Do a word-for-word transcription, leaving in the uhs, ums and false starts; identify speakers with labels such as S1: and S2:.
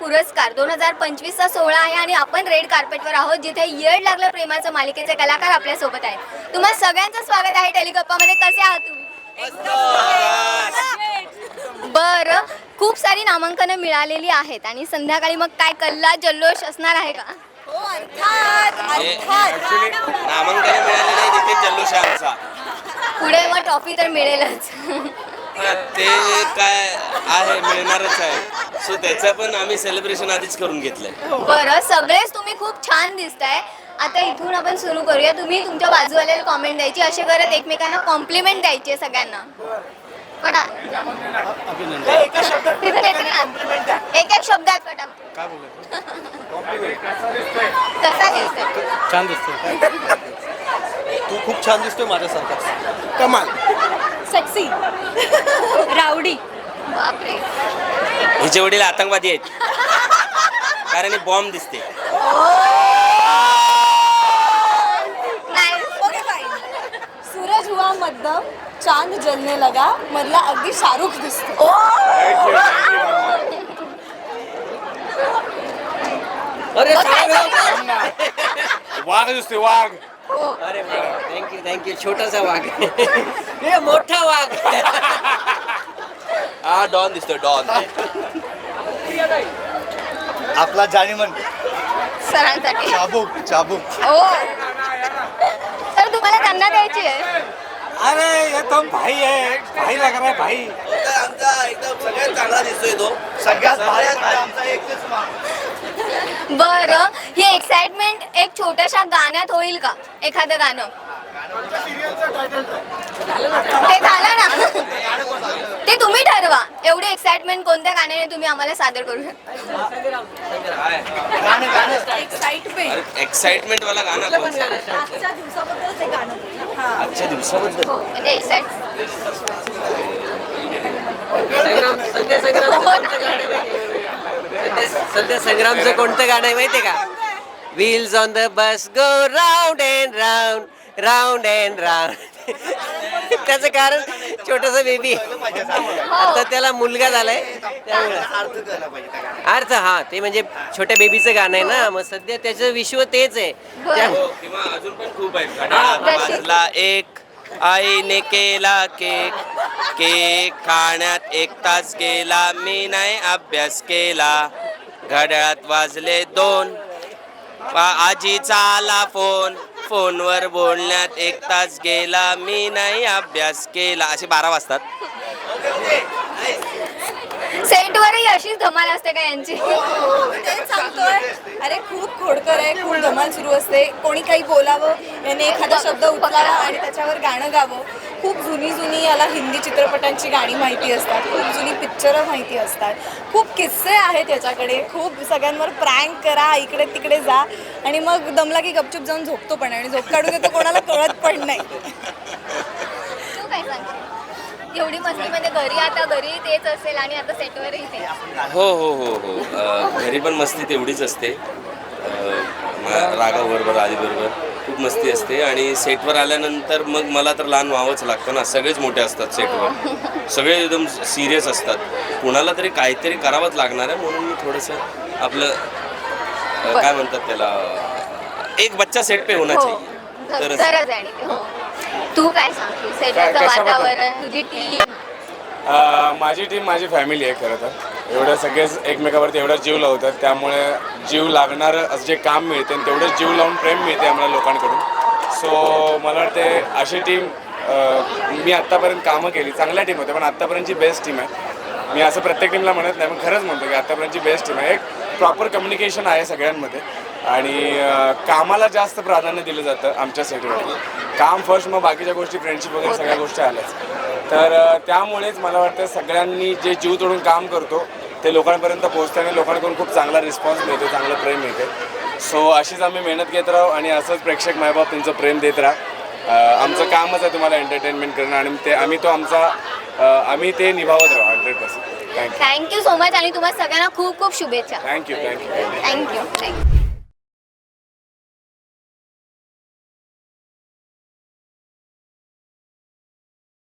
S1: पुरस्कार दोन हजार पंचवीसचा सोहळा आहे आणि आपण रेड कार्पेटवर आहोत, जिथे येड लागलं प्रेमाचं मालिकेचे कलाकार आपल्यासोबत आहेत. तुम्हा सगळ्यांचं स्वागत आहे टेलिगप्पामध्ये. कसे आहात तुम्ही? बरं, खूप सारी नामांकनं मिळालेली आहेत आणि संध्याकाळी मग काय कल्ला जल्लोष असणार आहे का?
S2: नामांकन मिळाले नाही तिथे जल्लोष आहे आमचा.
S1: पुढे मग ट्रॉफी तर मिळेलच.
S2: ते काय आहे मिळणारच आहे. सो त्याचं पण आम्ही सेलिब्रेशन आधीच करून घेतलंय.
S1: बरं, सगळेच तुम्ही खूप छान दिसताय. आता इथून आपण सुरू करूया. तुम्ही तुमच्या बाजूवाल्याला कॉमेंट द्यायची, असे करत एकमेकांना कॉम्प्लिमेंट द्यायची आहे सगळ्यांना. पटा एक एक शब्दात पटा. कसा दिसतोय?
S3: छान दिसतोय. तू खूप छान दिसतोय माझ्यासारखा. कमाल.
S1: सेक्सी. रावडी. बापरे.
S2: हिचे वडील आतंकवादी आहेत कारण ही बॉम्ब दिसते.
S4: सूरज हुआ मध्यम चांद जलने लगा मधला अगदी शाहरुख दिसतो.
S3: अरे
S5: वाघ दिसतोय वाघ.
S3: अरे थँक्यू थँक्यू. छोटासा वाघ. हे मोठा वाघ.
S2: हा डॉन दिसतोय डॉन.
S5: आपला जाणीमन
S1: सरांसाठी
S5: चाबूक चाबूक.
S1: हो, तर तुम्हाला त्यांना द्यायची आहे.
S5: अरे ये तो भाई है, भाई लग रहा है भाई.
S2: आमचा एकदम सगळ्यात चांगला दिसतोय तो.
S5: सगळ्यात भारी आमचा एकच माणूस.
S1: बरं, ही एक्साइटमेंट एक छोट्याशा गाण्यात होईल का? एखादं गाणं ते झालं ना, ते तुम्ही ठरवा. एवढी एक्साइटमेंट कोणत्या गाण्याने तुम्ही आम्हाला सादर करू शकता?
S4: एक्साइटमेंट
S2: एक्साइटमेंट वाला गाणं कोणतं?
S4: आजच्या दिवसाबद्दल ते गाणं. हां.
S2: आजच्या दिवसाबद्दल
S1: हो, म्हणजे एक्साइट.
S3: सध्या संग्रामचं कोणतं गाणं आहे माहितीये का? Wheels on the bus go round and round round and round. त्याचं कारण छोटासा बेबी. आता त्याला मुलगा झालाय त्यामुळे अर्थ. हा, ते म्हणजे छोट्या बेबीचं गाणं आहे ना. मग सध्या त्याचं विश्व तेच आहे. त्या-
S2: किंवा अजून पण खूप आहेत. घड्याळात वाजला एक, आईने केला केक, केक खाण्यात एक तास गेला, मी नाही अभ्यास केला. घड्याळात वाजले दोन, आजीचा आला फोन, फोनवर बोलण्यात एक तास गेला, मी नाही अभ्यास केला. असे बारा वाजतात.
S1: सेटवरही अशीच धमाल असते का यांची?
S4: तेच सांगतोय. अरे खूप खोडकर आहे, खूप धमाल सुरू असते. कोणी काही बोलावं, याने एखादा शब्द उचलावा आणि त्याच्यावर गाणं गावं. खूप जुनी जुनी याला हिंदी चित्रपटांची गाणी माहिती असतात, खूप जुनी पिक्चरं माहिती असतात, खूप किस्से आहेत याच्याकडे. खूप सगळ्यांवर प्रँक करा, इकडे तिकडे जा आणि मग दमला की गपचूप जाऊन झोपतो पण, आणि झोप काढून येतो कोणाला कळत पण नाही.
S1: तू काय सांगशील? एवढी मस्ती म्हणजे घरी, आता घरी तेच असेल आणि आता सेटवरही ते.
S2: हो हो हो हो अ, घरी पण मस्ती तेवढीच असते. राघव बरोबर, आधी बरोबर खूप मस्ती असते. आणि सेटवर आल्यानंतर मग मला तर लहान व्हावंच लागतं ना. सगळेच मोठे असतात सेटवर, सगळे एकदम सिरियस असतात. कुणाला तरी काहीतरी करावंच लागणार आहे, म्हणून मी थोडंसं आपलं अ, काय म्हणतात त्याला, एक बच्चा सेट पे होना चाहिए. तरच
S1: गरज आहे आणि ते. हो. तू काय सांगशील? सेटवरचं
S5: कशाबद्दल?
S1: वातावरण, तुझी टीम.
S5: माझी टीम माझी फॅमिली आहे खरं तर. एवढं सगळेच एकमेकावरती एवढा जीव लावतात, त्यामुळे जीव लागणारं असं जे काम मिळते तेवढंच जीव लावून प्रेम मिळते आम्हाला लोकांकडून. सो मला वाटते अशी टीम मी आत्तापर्यंत कामं केली, चांगल्या टीम होत्या, पण आत्तापर्यंतची बेस्ट टीम आहे. मी असं प्रत्येक टीमला म्हणत नाही, पण खरंच म्हणतो की आत्तापर्यंतची बेस्ट टीम आहे. एक प्रॉपर कम्युनिकेशन आहे सगळ्यांमध्ये आणि कामाला जास्त प्राधान्य दिलं जातं आमच्या सेटवरती. काम फर्स्ट, मग बाकीच्या गोष्टी, फ्रेंडशिप वगैरे सगळ्या गोष्टी आल्याच. तर त्यामुळेच मला वाटतं सगळ्यांनी जे जीव तोडून काम करतो ते लोकांपर्यंत पोहोचतं आणि लोकांकडून खूप चांगला रिस्पॉन्स मिळतो, चांगलं प्रेम मिळते. सो अशीच आम्ही मेहनत घेत राहू आणि असंच प्रेक्षक मायबाप तुमचं प्रेम देत राहा. आमचं कामच आहे तुम्हाला एंटरटेनमेंट करणं आणि ते आम्ही तो आमचा आम्ही ते निभावत राहू hundred percent. Thank you
S1: thank you so much आणि तुम्हाला सगळ्यांना खूप खूप शुभेच्छा.
S5: Thank you thank you
S1: thank you thank you